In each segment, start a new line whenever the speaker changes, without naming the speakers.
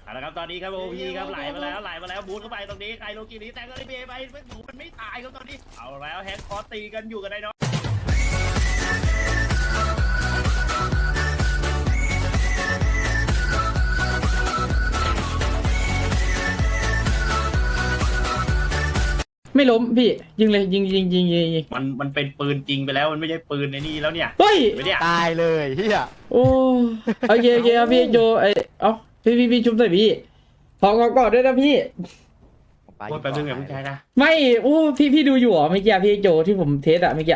เอาละครับตอนนี้ครับโอพีครับไหลมาแล้วบูทเข้าไปตรงนี้ไคโลกินี้แต่ก็ได้เบไปหนูมันไม่ตายครับตอนนี้เอาแล้วแฮกคอร์ตีกันอยู่กันไดโน
ไม่ล้มพี่ยิงเลยยิง
มันเป็นปืนจริงไปแล้วมันไม่ใช่ปืนในนี่แล้วเนี่ย
เฮ้ย
ไม่เนี่ย
ตายเลยเฮีย
โอ้โอเคครับพี่โจเอ้าพี่ชุบใส่พี่ขอกอดด้วยนะพี่
พูดไปเรื่องแบบผู้ชายนะ
ไม่โอ้พี่ดูอยู่เหรอเมื่อกี้พี่โจที่ผมเทสอะเมื่อกี้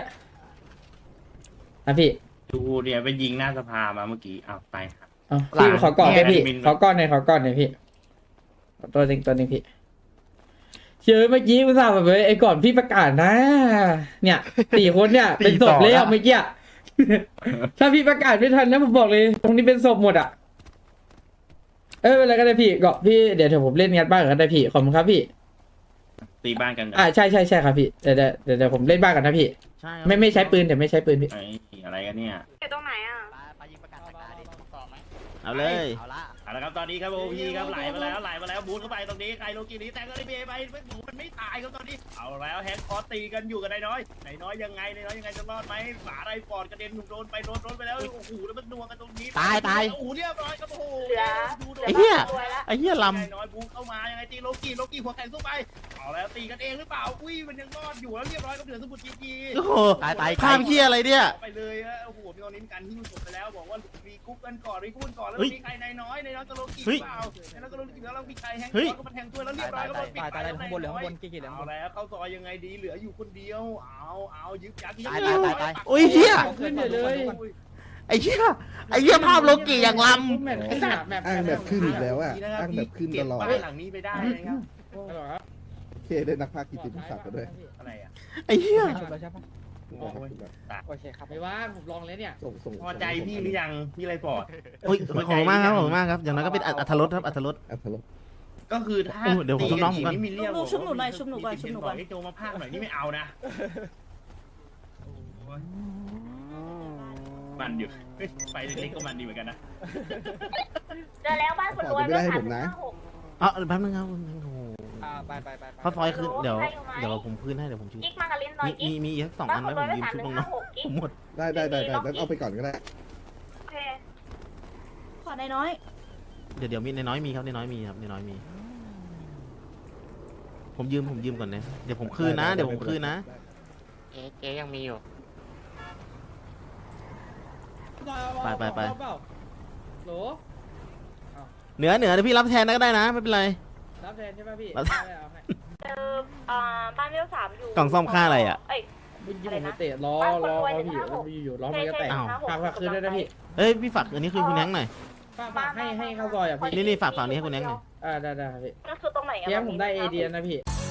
พี่
ดูเนี่ยไปยิงหน้าสภามาเมื่อกี้เอาไปครับ
เอาพี่ขอกอดด้วยพี่ขอกอดหน่อยพี่ตัวหนึ่งพี่เชื่อเมื่อกี้อุตส่าห์แบบไอ้ก่อนพี่ประกาศนะ เนี่ย4 คนเนี่ยเป็นศพเลยอะเมื่อกี้ ถ้าพี่ประกาศไม่ทันนะผมบอกเลย ตรงนี้เป็นศพหมดอ่ะเป็นอะไรก็ได้พี่เกาะพี่เดี๋ยวผมเล่นงัดบ้านกันได้พี่ขอบคุณครับพี่
ตีบ้านกัน
ใช่ครับพี่เดี๋ยวผมเล่นบ้านกันนะพี่
ใช่
ไม่ใช้ปืนแต่ไม่ใช้ปืนพี่
อะไรกันเนี่ย
อยู่ตรงไหนอ่ะ
ไปยิงประกาศตาดิ
เอาเลย
เอาละ
เอาละครับตอนนี้ครับโอพีครับไหลมาแล้วบูทเข้าไปตรงนี้ไคโลกินี้แต่ก็ได้เบไปหนูมันไม่ตายครับตอนนี้เอาแล้วแฮกคอร์ตีกันอยู่กันไดน้อยยังไงจะรอดไหมหมาไรฟอร์ดกระเด็นถูกโดนไปแล้วโอ้โหแล้วมันนัวกันตรงนี้
ตาย
โอ้โหเรียบร้อยครับโอ้โห
ไอ้เหี้ย
รวยละ
ไอ้เหี้ยล
น้อยบูเข้ามายังไงตีโลกี้หัวแข็งสู้ไปเอาแล้วตีกันเองหรือเปล่าอุ้ยมันยังรอดอยู่แล้วเรียบร้อยกับเหลือสมุทรจี
ำโอ้โห
ตาย
ภาพเหี้ยอะไรเนี่ย
ไปเลยโอ้โหพี่ตอนนี้มีการหิ้วศพไปแล้วบอกว่ารีกุ๊กกันก่อนแล้วมีใครนายน้อยกับโลกี้หรือเปล่านายน้อยกับโลกี้แล้วมีใครแฮงก์ก็มาแทงตัวแล้วเรียบร้อยก็ปิดตายข้างบนเหลือข้างบนกี่เอาแล้วเข้าซอยยังไงดีเหลืออยู่คนเดียวเอายึดยัด
โอ้ยเหี้ย
ขึ้นเลย
ไอ้เหี้ยภาพโลกิอย่างล
แมป
อ้างแบบขึ้นอีกแล้วอ่ะอ้างแบบขึ้นตลอด
บ้านหลังนี้ไปได้นะครับ
โอเคได้นักพากย์กิตติมศักดิ์กันด้วย
อะไรอ่ะ
ำไอ้เหี้ย
โอเคครับไม่ว่าผมลองเลยเนี่ย
ส่ง
พอใจพี่หรือยังพี่ไรปอด
โอ้ยขอบคุณมากครับขอบคุณมากครับอย่างน้อยก็เป็นอัธรสครับอัธรส
อัธรส
ก็คือถ้า
เดี๋ยวผมต้องน้องผมก่อน
นี่มีเรียก
ชุบหนูหน่อยชุบหนูก่อน
ให้โจมาพากหน่อยนี่ไม่เอานะมันอยู่ไปเล็กๆก็มันดีเหมือนกันนะ
เจอแล้วบ้านคนรวยด้วยค่ะ
อ๋อแป๊บนึงครับโอ้โห
ไป
ข้าวซอยขึ้นเดี๋ยวผมคืนให้เดี๋ยวผมชู
กิ๊กมากับลิ้นหน่อยกิ๊ก
มีอีก2 อันไว้ผมยืมชุบน้องๆผมหมด
ได้แล้วเอาไปก่อนก็ได้
โอเคขอได้น้อย
เดี๋ยวมีในน้อยมีครับในน้อยมีครับในน้อยมีผมยืมก่อนนะเดี๋ยวผมคืนนะเดี๋ยวผมคืนนะ
เจ๊ยังมีอยู่
ไป
โหล
เหนือเดี๋ยวพี่รับแทนก็ได้นะไม่เป็นไร
รับแทนใช่ป่ะพี่
เจอบ้านเวล3อยู่
กล่องซ่อมค่าอะไรอ่ะ
เมื่อกี้ผมเตะล้อพี่อยู่ล้อมันก็แตกฝากคืนด้วยนะพี่
เอ้ยพี่ฝากอันนี้คืนคุณแนงหน่อย
ฝากให้เข้าซอยอ่ะพี่
นี่ฝากฝั่งนี้ให้คุณแนงหน่อย
ได้ครับพี่
ก็คือตรงไหนอ่ะ
เดี๋ยวผมได้เอเดียนะพี่